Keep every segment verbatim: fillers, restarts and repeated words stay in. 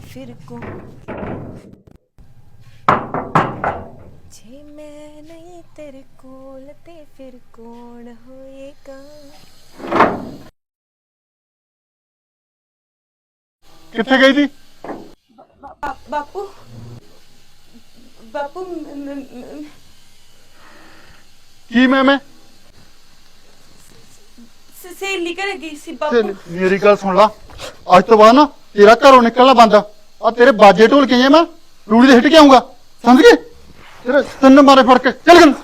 फिर कौन, जे मैं नहीं तेरे कोल ते फिर कौन होएगा। किथे गई थी? बा, बापू बापू म- म- म- की मैं मैं स- सहेली घर गई सी बापू। सहेली- मेरी गल सुन ला। अज तो बाद ना तेरा घरों निकलना बंद आ। तेरे बाजे ढोल के मैं रूड़ी दे हिट के आऊंगा, समझ गए? तेरे तिन मारे फड़ के चल गन।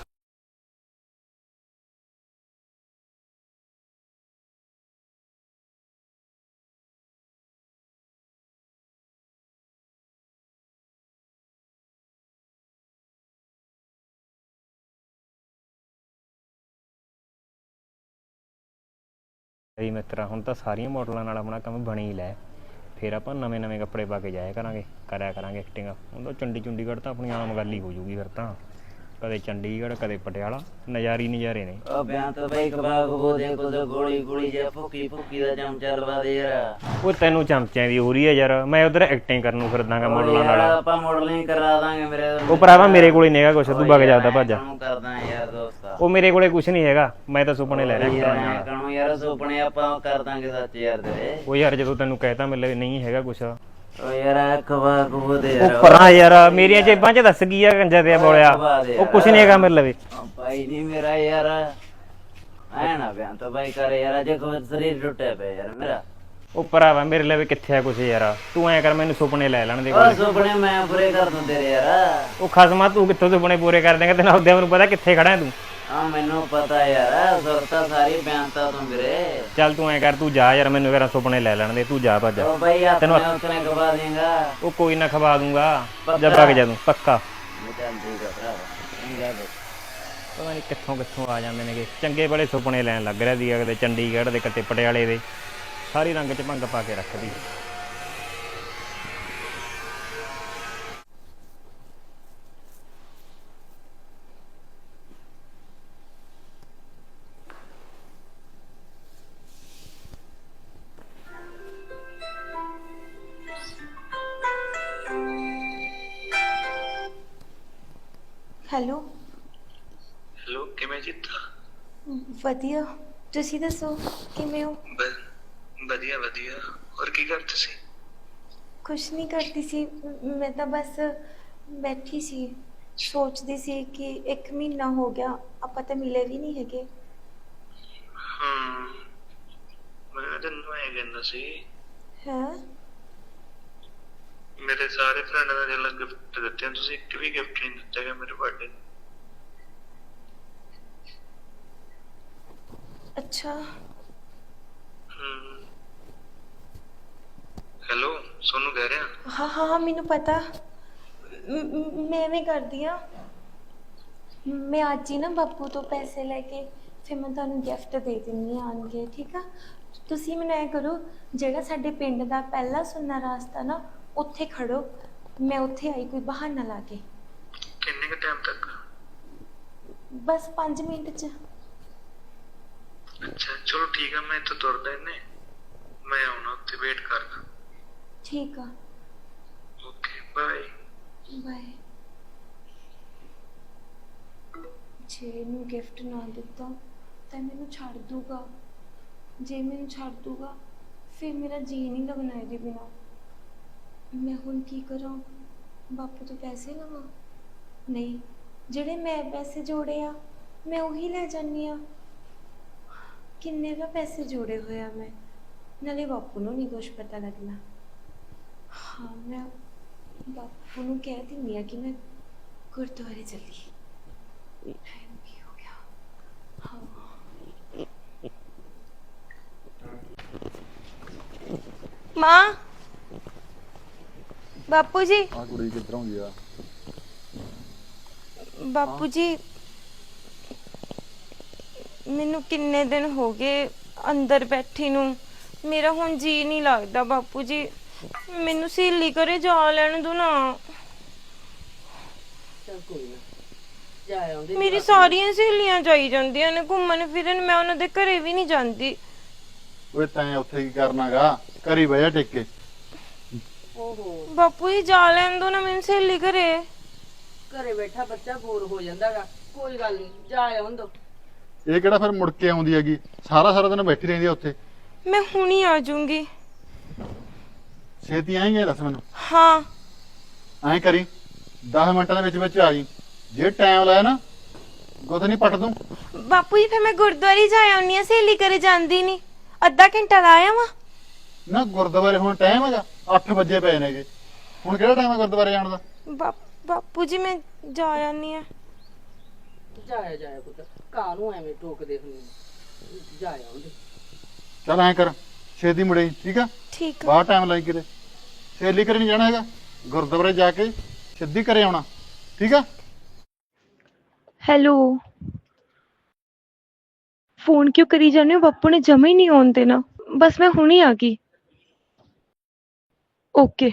ਬਈ ਮਿੱਤਰਾ ਹੁਣ ਤਾਂ ਸਾਰੀਆਂ ਮਾਡਲਾਂ ਨਾਲ ਆਪਣਾ ਕੰਮ ਬਣ ਹੀ ਲੈ। ਫਿਰ ਆਪਾਂ ਨਵੇਂ ਨਵੇਂ ਕੱਪੜੇ ਪਾ ਕੇ ਜਾਇਆ ਕਰਾਂਗੇ, ਕਰਿਆ ਕਰਾਂਗੇ ਐਕਟਿੰਗ। ਹੁਣ ਤਾਂ ਚੰਡੀ ਚੁੰਡੀਗੜ੍ਹ ਤਾਂ ਆਪਣੀ ਆਮ ਗੱਲ ਹੀ ਹੋ ਜੂਗੀ। ਫਿਰ ਤਾਂ ਕਦੇ ਚੰਡੀਗੜ੍ਹ ਕਦੇ ਪਟਿਆਲਾ, ਨਜ਼ਾਰੀ ਨਜ਼ਾਰੇ ਨੇ। ਉਹ ਬਿਆਨ ਤਾਂ ਬਈ ਕਬਾਬ ਬੋਦੇ ਕੁਝ ਗੋਲੀ ਗੋਲੀ ਜਿਹਾ ਫੁੱਕੀ ਫੁੱਕੀ ਦਾ ਚਮਚਾ ਲਵਾ ਦੇ ਯਾਰ। ਉਹ ਤੈਨੂੰ ਚਮਚਿਆਂ ਦੀ ਹੋ ਰਹੀ ਹੈ ਯਾਰ, ਮੈਂ ਉਧਰ ਐਕਟਿੰਗ ਕਰਨ ਨੂੰ ਫਿਰਦਾਗਾ ਮਾਡਲਾਂ ਨਾਲ। ਆਪਾਂ ਮਾਡਲਿੰਗ ਕਰਾ ਦਾਂਗੇ ਮੇਰੇ। ਉਹ ਭਰਾਵਾ ਮੇਰੇ ਕੋਲੇ ਨਹੀਂ ਹੈਗਾ ਕੁਛ, ਤੂੰ ਵਗ ਜਾਂਦਾ ਭੱਜ। ਕਰਦਾ ਯਾਰ ਦੋਸਤਾ, ਉਹ ਮੇਰੇ ਕੋਲੇ ਕੁਛ ਨਹੀਂ ਹੈਗਾ, ਮੈਂ ਤਾਂ ਸੁਪਨੇ ਲੈ ਰਿਹਾ ਯਾਰ ਨਾਲ। ਕਹਣੋ ਯਾਰ ਸੁਪਨੇ ਆਪਾਂ ਕਰ ਦਾਂਗੇ ਸੱਚ ਯਾਰ ਤੇਰੇ। ਉਹ ਯਾਰ ਜਦੋਂ ਤੈਨੂੰ ਕਹਿਤਾ ਮੇਰੇ ਨਹੀਂ ਹੈਗਾ ਕੁਛ। ਉਹ ਯਾਰ ਕਬਾਬ ਬੋਦੇ ਯਾਰ। ਉਹ ਪਰਾਂ ਯਾਰ ਮੇਰੀਆਂ ਜੇਬਾਂ 'ਚ ਦੱਸ ਗਈ ਆ ਗੰਜਾ ਤੇ ਬੋਲਿਆ। ਉਹ ਕੁਛ ਨਹੀਂ ਹੈਗਾ ਮੇਰੇ ਲਵੇ। ਭਾਈ ਨਹੀਂ ਮੇਰਾ ਯਾਰ ਐ ਨਾ ਬਿਆਨ ਤਾਂ ਬਾਈ ਕਰ ਯਾਰ, ਅਜੇ ਕੋਈ ਸਰੀਰ ਟੁੱਟਿਆ ਪਿਆ ਯਾਰ ਮੇਰਾ। ਉਹ ਭਰਾਵਾ ਮੇਰੇ ਲਵੇ ਕਿੱਥੇ ਆ ਕੁਛ ਯਾਰ, ਤੂੰ ਐ ਕਰ ਮੈਨੂੰ ਸੁਪਨੇ ਲੈ ਲੈਣ ਦੇ। ਉਹ ਸੁਪਨੇ ਮੈਂ ਪੂਰੇ ਕਰ ਦੂੰ ਤੇਰੇ ਯਾਰ। ਉਹ ਖਸਮਾ ਤੂੰ ਕਿੱਥੋਂ ਸੁਪਨੇ ਪੂਰੇ ਕਰ ਦੇਂਗਾ, ਤੈਨੂੰ ਉਹਦੇ ਮੈਨੂੰ ਪਤਾ ਕਿੱਥੇ ਖੜਾ ਤੂੰ। ਆ ਮੈਨੂੰ ਪਤਾ ਯਾਰ, ਸੁਰਤਾ ਸਾਰੀ ਬਿਆਨਤਾ ਤੂੰ ਵੀਰੇ। ਚੱਲ ਤੂੰ ਐ ਕਰ ਤੂੰ ਜਾ ਯਾਰ, ਮੈਨੂੰ ਯਾਰ ਸੁਪਨੇ ਲੈ ਲੈਣ ਦੇ, ਤੂੰ ਜਾ ਭੱਜ। ਉਹ ਬਈ ਤੈਨੂੰ ਆਪਣੇ ਉਤਨੇ ਗਵਾ ਦੇਗਾ। ਉਹ ਕੋਈ ਨਾ ਖਵਾ ਦੂੰਗਾ ਜਦ ਵਗ ਜਾ ਤੂੰ ਪੱਕਾ। ਚੱਲ ਠੀਕ ਆ ਭਰਾ, ਚੰਗਾ ਬਈ। ਪਤਾ ਨਹੀਂ ਕਿੱਥੋਂ ਕਿੱਥੋਂ ਆ ਜਾਂਦੇ ਨੇਗੇ ਚੰਗੇ ਬੜੇ ਸੁਪਨੇ ਲੈਣ ਲੱਗ ਰਿਹਾ ਸੀਗਾ, ਕਦੇ ਚੰਡੀਗੜ੍ਹ ਦੇ ਕਿਤੇ ਪਟਿਆਲੇ ਦੇ। ਸਾਰੀ ਰੰਗ 'ਚ ਭੰਗ ਪਾ ਕੇ ਰੱਖਦੀ। हेलो हेलो किवें जीता? वधिया, तुसी दसो किवें हो? ब- वधिया वधिया। और की करते सी? कुछ नहीं करती सी, मैं तो बस बैठी सी, सोचती सी कि एक महीना हो गया ਆਪਾਂ ਤਾਂ ਮਿਲੇ ਵੀ ਨਹੀਂ ਹੈਗੇ। हम्म मैं तन्नू ऐ कहना सी, ਹੈ मेरे सारे फ्रेंड ने जो गिफ्ट दिते हैं, तुसी एक भी गिफ्ट नहीं दिता है मेरे बर्थडे। अच्छा हम्म हेलो सोनू कह रहे हैं। हाँ हाँ हाँ मैनू पता, म- म- मैं भी करदी हाँ। मैं आज ही ना बापू तो पैसे लेके फिर मैं तुहानू गिफ्ट दे दिंदी आन के, ठीक आ? तुसी मैनू ऐ करो, जेड़ा साडे पिंड दा पहला सुन्ना रास्ता ना उत्थे खड़ो, मैं उत्थे आई कोई बहाना ला के। किन्ने के टाइम तक? बस पाँच मिनट च। अच्छा चलो ठीक है, मैं तो तुरदा इन्ने, मैं आउना उत्ते वेट करदा। ठीक आ, ओके बाय। बाय। जे ਇਹਨੂੰ ਗਿਫਟ ਨਾ ਦਿੱਤਾ ਤਾਂ ਮੈਨੂੰ ਛੱਡ ਦੂਗਾ, ਜੇ ਮੈਨੂੰ ਛੱਡ ਦੂਗਾ ਫਿਰ ਮੇਰਾ ਜੀ ਨਹੀਂ ਲੱਗਣਾ ਇਹਦੇ ਬਿਨਾ। ਮੈਂ ਹੁਣ ਕੀ ਕਰਾਂ? ਬਾਪੂ ਤੋਂ ਪੈਸੇ ਲਵਾਂ? ਨਹੀਂ, ਜਿਹੜੇ ਮੈਂ ਪੈਸੇ ਜੋੜੇ ਆ ਮੈਂ ਉਹੀ ਲੈ ਜਾਂਦੀ ਆ। ਕਿੰਨੇ ਵਾ ਪੈਸੇ ਜੋੜੇ ਹੋਏ ਆ ਮੈਂ, ਨਾਲੇ ਬਾਪੂ ਨੂੰ ਨਹੀਂ ਕੁਛ ਪਤਾ ਲੱਗਣਾ। ਹਾਂ ਮੈਂ ਬਾਪੂ ਨੂੰ ਕਹਿ ਦਿੰਦੀ ਆ ਕਿ ਮੈਂ ਗੁਰਦੁਆਰੇ ਚੱਲੀ। टाइम भी हो गया। हाँ माँ, बापू जी। आ कुड़ी किधरों गया? बापू जी मैनू किन्ने दिन हो गए अंदर बैठी नू, मेरा हुण जी नहीं लगता। बापू जी मैनू सहेली घरे जा लैण दो ना। मेरी सारियां सहेलियां जाई जांदियां ने घूमन फिरन, मैं उन्हां दे घरे भी नहीं जांदी। ओए तैं उत्थे की करनागा? घरी बह जा टिक के। ਓਹੋ ਬਾਪੂ ਜੀ ਜਾ ਲੈਣ ਦੋ ਨਾ ਮੈਨੂੰ ਸਹੇਲੀ ਘਰੇ। ਘਰੇ ਬੈਠਾ ਬੱਚਾ ਬੋਰ ਹੋ ਜਾਂਦਾਗਾ, ਕੋਈ ਗੱਲ ਨਹੀਂ ਜਾ ਆਉਣ ਦੋ। ਇਹ ਕਿਹੜਾ ਫਿਰ ਮੁੜ ਕੇ ਆਉਂਦੀ ਹੈਗੀ, ਸਾਰਾ ਸਾਰਾ ਦਿਨ ਬੈਠੀ ਰਹਿੰਦੀ ਆ ਉੱਥੇ। ਮੈਂ ਹੁਣੀ ਆ ਜਾਊਂਗੀ। ਛੇਤੀ ਆਏਂਗੇ ਦੱਸ ਮੈਨੂੰ। ਹਾਂ ਐਂ ਕਰੀ ਦਸ ਮਿੰਟਾਂ ਦੇ ਵਿੱਚ ਵਿੱਚ ਆ ਜੀ, ਜੇ ਟਾਈਮ ਲਾਇਆ ਨਾ ਗੁੱਤ ਨਹੀਂ ਪੱਟ ਦੂੰ। ਬਾਪੂ ਜੀ ਫਿਰ ਮੈਂ ਗੁਰਦੁਆਰੇ ਜਾ ਆਉਣੀ ਆ, ਸਹੇਲੀ ਘਰੇ ਜਾਂਦੀ ਨਹੀਂ। ਅੱਧਾ ਘੰਟਾ ਲਾਇਆ ਵਾ। ਨਾ ਗੁਰਦੁਆਰੇ ਹੁਣ ਟਾਈਮ ਹੈਗਾ, ਅੱਠ ਵਜੇ ਪਏ ਨੇਗੇ, ਹੁਣ ਕਿਹੜਾ ਟਾਈਮ ਹੈ ਗੁਰਦੁਆਰੇ ਜਾਣ ਦਾ? ਬਾਪੂ ਜੀ ਮੈਂ ਜਾ ਆਉਣੀ ਆ। ਜਾਇਆ ਜਾਇਆ ਪੁੱਤ, ਕਾਹਨੂੰ ਐਵੇਂ ਟੋਕਦੇ ਹੁੰਦੇ, ਜਾ ਆਉਂਦੇ। ਚੱਲ ਐਂ ਕਰ ਛੇਤੀ ਮੁੜੇ, ਠੀਕ ਆ? ਠੀਕ ਆ। ਬਾਹਰ ਟਾਈਮ ਲਾਈ ਕਿਤੇ, ਸਹੇਲੀ ਘਰੇ ਨਹੀਂ ਜਾਣਾ ਹੈਗਾ, ਗੁਰਦੁਆਰੇ ਜਾ ਕੇ ਸਿੱਧੀ ਘਰੇ ਆਉਣਾ, ਠੀਕ ਆ? ਹੈਲੋ, ਫੋਨ ਕਿਉਂ ਕਰੀ ਜਾਂਦੇ ਹੋ? ਬਾਪੂ ਨੇ ਜਮਾ ਹੀ ਨਹੀਂ ਆਉਣ ਦੇਣਾ। ਬਸ ਮੈਂ ਹੁਣੀ ਆ ਗਈ। ਓਕੇ।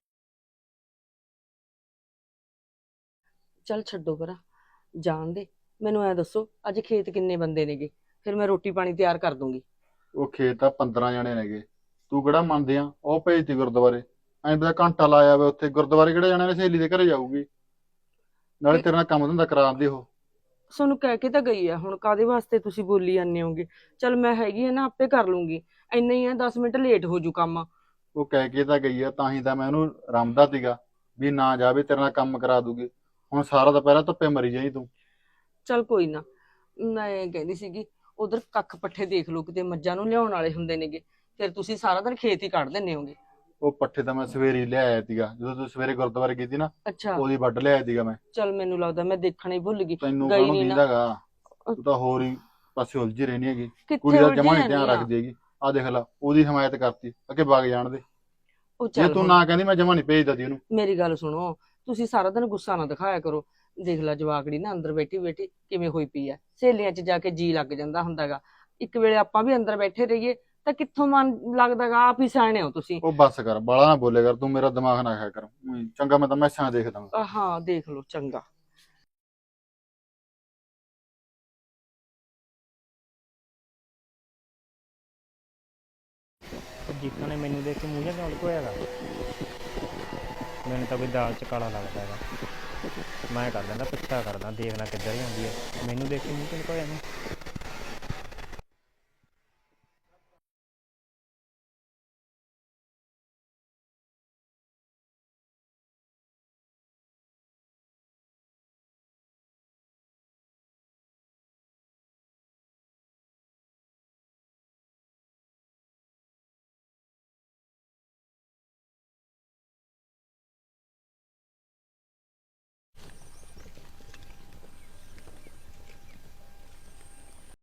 ਚੱਲ ਛੱਡੋ ਪਰਾਂ, ਜਾਣ ਦੇ। ਮੈਨੂੰ ਐ ਦੱਸੋ ਅੱਜ ਖੇਤ ਕਿੰਨੇ ਬੰਦੇ ਨੇਗੇ, ਫਿਰ ਮੈਂ ਰੋਟੀ ਪਾਣੀ ਤਿਆਰ ਕਰ ਦੂੰਗੀ। ਉਹ ਖੇਤ ਤਾਂ ਪੰਦਰਾਂ ਜਣੇ ਨੇਗੇ, ਤੂੰ ਕਿਹੜਾ ਮੰਨਦੇ ਆ? ਉਹ ਭੇਜਤੀ ਗੁਰਦੁਆਰੇ, ਐਂ ਤਾਂ ਘੰਟਾ ਲਾਇਆ ਵਾ ਉੱਥੇ। ਗੁਰਦੁਆਰੇ ਕਿਹੜੇ ਜਾਣੇ ਨੇ, ਸਹੇਲੀ ਦੇ ਘਰੇ ਜਾਊਗੀ, ਨਾਲੇ ਤੇਰੇ ਨਾਲ ਕੰਮ ਧੰਦਾ ਕਰਾਉਂਦੇ ਉਹ। ਤੁਹਾਨੂੰ ਕਹਿ ਕੇ ਤਾਂ ਗਈ ਆ, ਹੁਣ ਕਾਦੇ ਵਾਸਤੇ ਤੁਸੀਂ ਬੋਲੀ ਜਾਂਦੇ ਹੋਗੇ? ਚੱਲ ਮੈਂ ਹੈਗੀ ਆ ਨਾ, ਆਪੇ ਕਰ ਲੂੰਗੀ। ਇੰਨਾ ਹੀ ਆ, ਦਸ ਮਿੰਟ ਲੇਟ ਹੋ ਜੂ ਕੰਮ। ਉਹ ਕਹਿ ਕੇ ਤਾਂ ਗਈ ਆ, ਤਾਂ ਹੀ ਤਾਂ ਮੈਂ ਉਹਨੂੰ ਰਮਦਾ ਸੀਗਾ ਵੀ ਨਾ ਜਾਵੇ, ਤੇਰੇ ਨਾਲ ਕੰਮ ਕਰਾ ਦੂਗੀ। ਹੁਣ ਸਾਰਾ ਦੁਪਹਿਰਾ ਧੁੱਪੇ ਮਰੀ ਜਾਈ ਤੂੰ। ਚੱਲ ਕੋਈ ਨਾ, ਮੈਂ ਕਹਿੰਦੀ ਸੀਗੀ ਉਧਰ ਕੱਖ ਪੱਠੇ ਦੇਖ ਲਓ, ਕਿਤੇ ਮੱਝਾਂ ਨੂੰ ਲਿਆਉਣ ਵਾਲੇ ਹੁੰਦੇ ਨੇਗੇ, ਫਿਰ ਤੁਸੀਂ ਸਾਰਾ ਦਿਨ ਖੇਤ ਹੀ ਕੱਢ ਦਿੰਦੇ ਹੋਗੇ। ਉਹ ਪੱਠੇ ਤਾਂ ਮੈਂ ਸਵੇਰੇ ਹੀ ਲਿਆਇਆ ਸੀਗਾ, ਜਦੋਂ ਤੂੰ ਸਵੇਰੇ ਗੁਰਦੁਆਰੇ ਗਈ ਸੀ ਨਾ, ਅੱਛਾ, ਉਹਦੀ ਵੱਢ ਲਿਆਇਆ ਸੀਗਾ ਮੈਂ। ਚੱਲ ਮੈਨੂੰ ਲੱਗਦਾ ਮੈਂ ਦੇਖਣਾ ਹੀ ਭੁੱਲ ਗਈ। ਤੈਨੂੰ ਗਈ ਕਾਹਨੂੰ ਨੀ ਨਾ। ਦੀਦਾਗਾ, ਤੂੰ ਤਾਂ ਹੋਰ ਹੀ ਪਾਸੇ ਉਲਝੀ ਰਹਿਣੀ ਹੈਗੀ। ਕਿੱਥੇ ਕੁੜੀ ਦਾ ਉਲਝੀ ਜਮਾ ਨਹੀਂ ਧਿਆਨ ਜਾਂਦੀ ਆ? ਰੱਖਦੀ ਹੈਗੀ। ਆ ਦੇਖ ਲਾ, ਉਹਦੀ ਹਮਾਇਤ ਕਰਤੀ, ਅੱਗੇ ਵਗ ਜਾਣ ਦੇ। ਉਹ ਜੇ ਚੱਲ ਤੂੰ ਹੁਣ ਨਾ ਕਹਿੰਦੀ ਮੈਂ ਜਮਾ ਨਹੀਂ ਭੇਜਦਾ ਸੀ ਉਹਨੂੰ। ਮੇਰੀ ਗੱਲ ਸੁਣੋ, ਤੁਸੀਂ ਸਾਰਾ ਦਿਨ ਗੁੱਸਾ ਨਾ ਦਿਖਾਇਆ ਕਰੋ। ਦੇਖ ਲੈ ਜਵਾਕੜੀ ਨਾ ਅੰਦਰ ਬੈਠੀ ਬੈਠੀ ਕਿਵੇਂ ਹੋਈ ਪਈ ਆ। ਸਹੇਲੀਆਂ 'ਚ ਜਾ ਕੇ ਜੀ ਲੱਗ ਜਾਂਦਾ ਹੁੰਦਾਗਾ। ਇੱਕ ਵੇਲੇ ਆਪਾਂ ਵੀ ਅੰਦਰ ਬੈਠੇ ਰਹੀਏ ਤਾਂ ਕਿੱਥੋਂ ਮਨ ਲੱਗਦਾਗਾ? ਆਪ ਹੀ ਸਿਆਣੇ ਹੋ ਤੁਸੀਂ। ਉਹ ਬੱਸ ਕਰ, ਬਾਲਾ ਨਾ ਬੋਲੇ ਕਰ ਤੂੰ, ਮੇਰਾ ਦਿਮਾਗ ਨਾ ਖਾਇਆ ਕਰ। ਊਈਂ ਚੰਗਾ, ਮੈਂ ਤਾਂ ਮੈਸਾਂ ਦੇਖਦਾ ਹਾਂ। ਅਹ ਹਾਂ ਦੇਖ ਲਓ, ਚੰਗਾ। ਜੀਤਾਂ ਨੇ ਮੈਨੂੰ ਦੇਖ ਕੇ ਮੂੰਹ ਜਿਹਾ ਕਿਉਂ ਲੁਕੋਇਆਗਾ? ਮੈਨੂੰ ਤਾਂ ਕੋਈ ਦਾਲ ਚ ਕਾਲਾ ਲੱਗਦਾ ਹੈਗਾ। ਮੈਂ ਕਰ ਲੈਂਦਾ, ਪਿੱਛਾ ਕਰਦਾ, ਦੇਖਣਾ ਕਿੱਧਰ ਜਾਂਦੀ ਹੈ। ਮੈਨੂੰ ਦੇਖ ਕੇ ਮੂੰਹ ਕਿਉਂ ਲੁਕੋਇਆ ਇਹਨੇ?